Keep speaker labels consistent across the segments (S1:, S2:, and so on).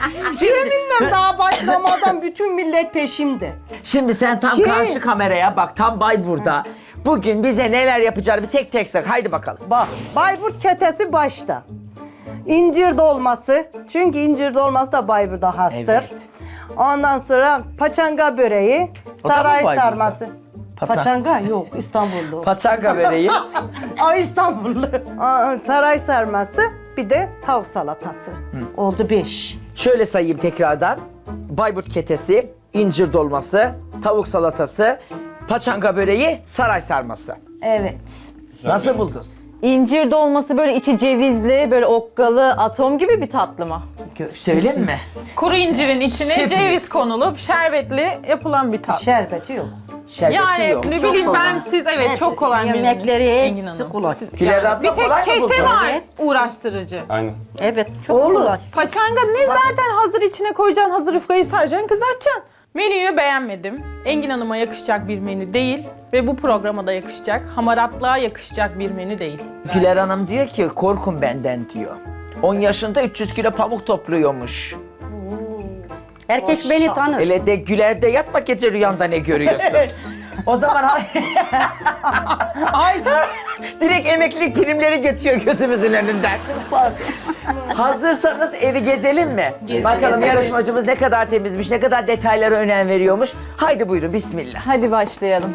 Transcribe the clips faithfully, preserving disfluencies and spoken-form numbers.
S1: Yeminle daha başlamadan bütün millet peşimde.
S2: Şimdi sen tam
S1: Şey-
S2: karşı kameraya bak, tam Bayburt'ta. Bugün bize neler yapacağını bir tek tek sak. Haydi bakalım.
S1: Bak, Bayburt ketesi başta. İncir dolması. Çünkü incir dolması da Bayburt'a hastır.
S2: Evet.
S1: Ondan sonra paçanga böreği,
S2: O da mı
S1: saray
S2: Bayburt'ta?
S1: sarması.
S2: Paça-
S1: Paçanga yok, İstanbullu.
S2: Paçanga böreği.
S1: Ay İstanbullu. Aa, saray sarması, bir de tavuk salatası. Oldu beş.
S2: Şöyle sayayım tekrardan. Bayburt ketesi, incir dolması, tavuk salatası, paçanga böreği, saray sarması.
S1: Evet.
S2: Nasıl buldunuz?
S3: İncir dolması böyle içi cevizli, böyle okkalı, atom gibi bir tatlı mı?
S2: Söyleyeyim mi?
S4: Kuru incirin içine
S2: Sürpriz.
S4: ceviz konulup şerbetli yapılan bir tatlı.
S1: Şerbeti yok.
S2: Şerbeti
S4: Yani
S2: yok.
S4: ne
S2: Çok
S4: bileyim
S2: kolay.
S4: ben siz evet çok kolay bir
S1: Yemekleri
S4: Engin
S1: hepsi
S4: Hanım.
S1: kolay.
S2: Güler abla
S4: Bir tek
S2: kolay mı
S4: kete
S2: buldun?
S4: var
S1: Evet.
S4: uğraştırıcı.
S5: Aynen.
S1: Evet, çok Olur. kolay.
S4: Paçanga ne zaten hazır içine koyacaksın, hazır yufkayı saracaksın, kızartacaksın. Menüyü beğenmedim. Engin Hanım'a yakışacak bir menü değil ve bu programa da yakışacak, hamaratlığa yakışacak bir menü değil.
S2: Güler Hanım diyor ki korkun benden diyor. on yaşında üç yüz kilo pamuk topluyormuş.
S1: Herkes beni tanır.
S2: Hele de Güler'de yatma gece rüyanda ne görüyorsun? O zaman ay direkt emeklilik primleri geçiyor gözümüzün önünden. Hazırsanız evi gezelim mi? Bakalım yarışmacımız ne kadar temizmiş, ne kadar detaylara önem veriyormuş. Haydi buyurun bismillah.
S3: Hadi başlayalım.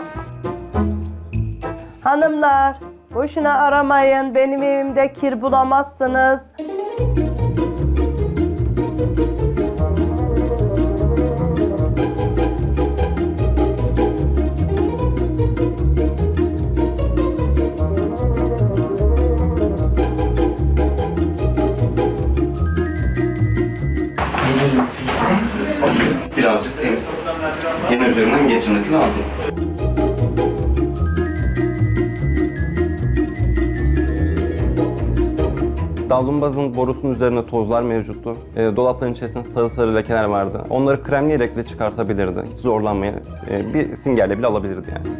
S1: Hanımlar, boşuna aramayın. Benim evimde kir bulamazsınız.
S5: Birazcık temiz. Yine üzerinden geçirmesi lazım. Davlumbazın borusunun üzerinde tozlar mevcuttu. E, dolapların içerisinde sarı sarı lekeler vardı. Onları kremleyerek bile çıkartabilirdi. Hiç zorlanmaya, e, bir singerle bile alabilirdi yani.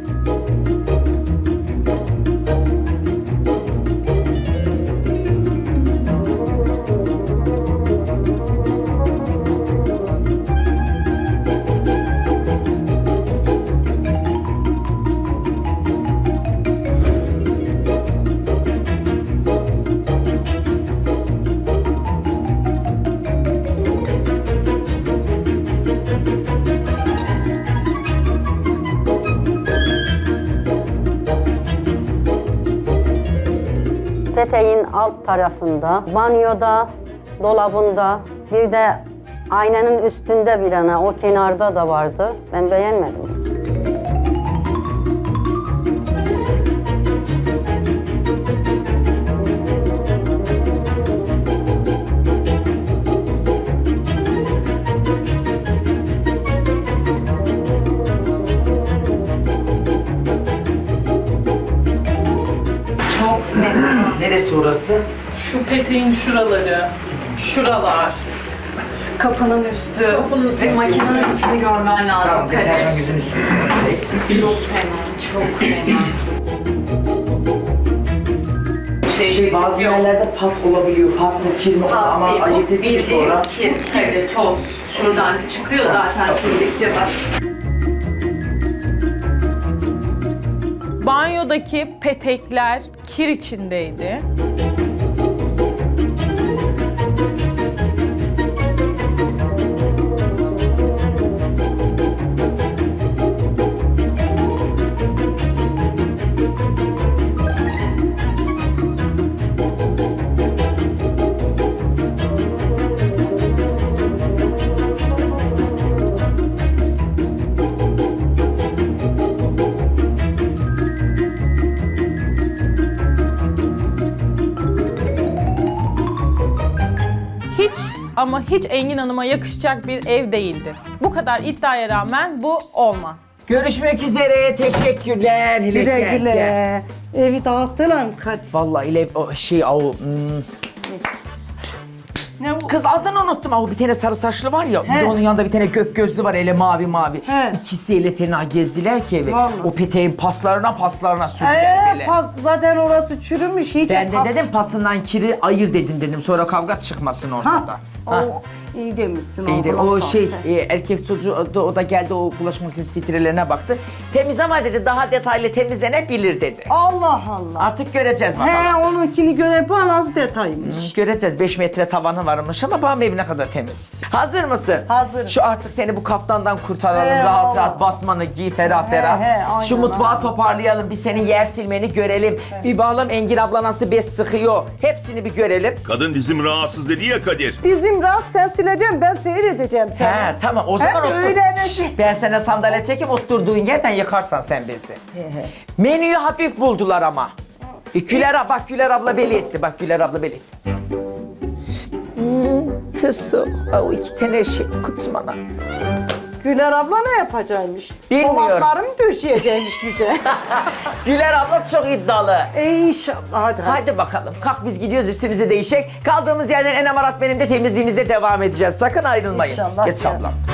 S6: Peteğin alt tarafında, banyoda, dolabında, bir de aynanın üstünde bir ana, o kenarda da vardı. Ben beğenmedim.
S2: Neresi orası?
S4: Şu peteğin şuraları, şuralar,
S3: Kapının üstü,
S4: Kapının
S3: ve makinenin içini görmen lazım.
S2: Tamam, deterjan yüzün üstü üstüne.
S3: Çok fena, çok fena.
S2: Şey, bazı yerlerde pas olabiliyor. Pas mı kir mi ama ayırt edildi sonra.
S3: kir, kir, toz. Şuradan çıkıyor zaten sildikçe bak.
S4: banyodaki petekler kir içindeydi. Hiç ama hiç Engin Hanım'a yakışacak bir ev değildi. Bu kadar iddiaya rağmen bu olmaz.
S2: Görüşmek üzere. Teşekkürler. Hele
S1: Güle
S2: gel, gel.
S1: güle. Evi dağıttılar mı Kadir?
S2: Vallahi ile o şey o hmm.
S1: Ne bu?
S2: Kız adını unuttum ama bir tane sarı saçlı var ya, bir de onun yanında bir tane gök gözlü var, ele mavi mavi.
S1: He.
S2: İkisi ele fena gezdiler ki evi.
S1: Vallahi.
S2: O peteğin paslarına paslarına sürdüler
S1: Ee,
S2: böyle.
S1: pas, zaten orası çürümüş. Hiç
S2: Ben de
S1: pas-
S2: dedim pasından kiri ayır dedin dedim, sonra kavga çıkmasın ortada.
S1: Ha,
S2: Ha.
S1: o İyi demişsin.
S2: İyi de
S1: ağzına
S2: o
S1: sağlık.
S2: şey e, erkek çocuğu da, o da geldi o bulaşık makinesi filtrelerine baktı. Temiz ama dedi daha detaylı temizlenebilir dedi.
S1: Allah Allah.
S2: Artık göreceğiz bakalım.
S1: He onunkini göre bu az detaymış.
S2: Göreceğiz. beş metre tavanı varmış ama benim evine kadar temiz. Hazır mısın?
S1: Hazırım.
S2: Şu artık seni bu kaftandan kurtaralım.
S1: He,
S2: rahat
S1: vallahi.
S2: rahat basmanı giy ferah
S1: He,
S2: ferah.
S1: he, aynen,
S2: Şu mutfağı
S1: aynen.
S2: toparlayalım. Bir senin yer silmeni görelim. Bir bakalım Engin abla nasıl bez sıkıyor. Hepsini bir görelim.
S7: Kadın dizim rahatsız dedi ya Kadir.
S1: Dizim rahat sen sileceğim ben seyredeceğim seni.
S2: He tamam o zaman
S1: Hem de
S2: otur.
S1: öğreneceğim.
S2: Şş, ben sana sandalye çekip oturduğun yerden yıkarsan sen bezi. Menüyü hafif buldular ama. E, Güler abla, bak Güler abla belli etti. Bak Güler abla belli etti. Hmm, tısı. O iki tane şey kutmana.
S1: Güler abla ne yapacakmış?
S2: Bilmiyorum.
S1: Tomatları mı döşeyecekmiş bize?
S2: Güler abla çok iddialı.
S1: e inşallah hadi. hadi.
S2: Hadi bakalım. Kalk biz gidiyoruz üstümüzü değişik. Kaldığımız yerden en amarat benim de temizliğimizde devam edeceğiz. Sakın ayrılmayın.
S1: İnşallah
S2: Geç
S1: ya.
S2: ablam.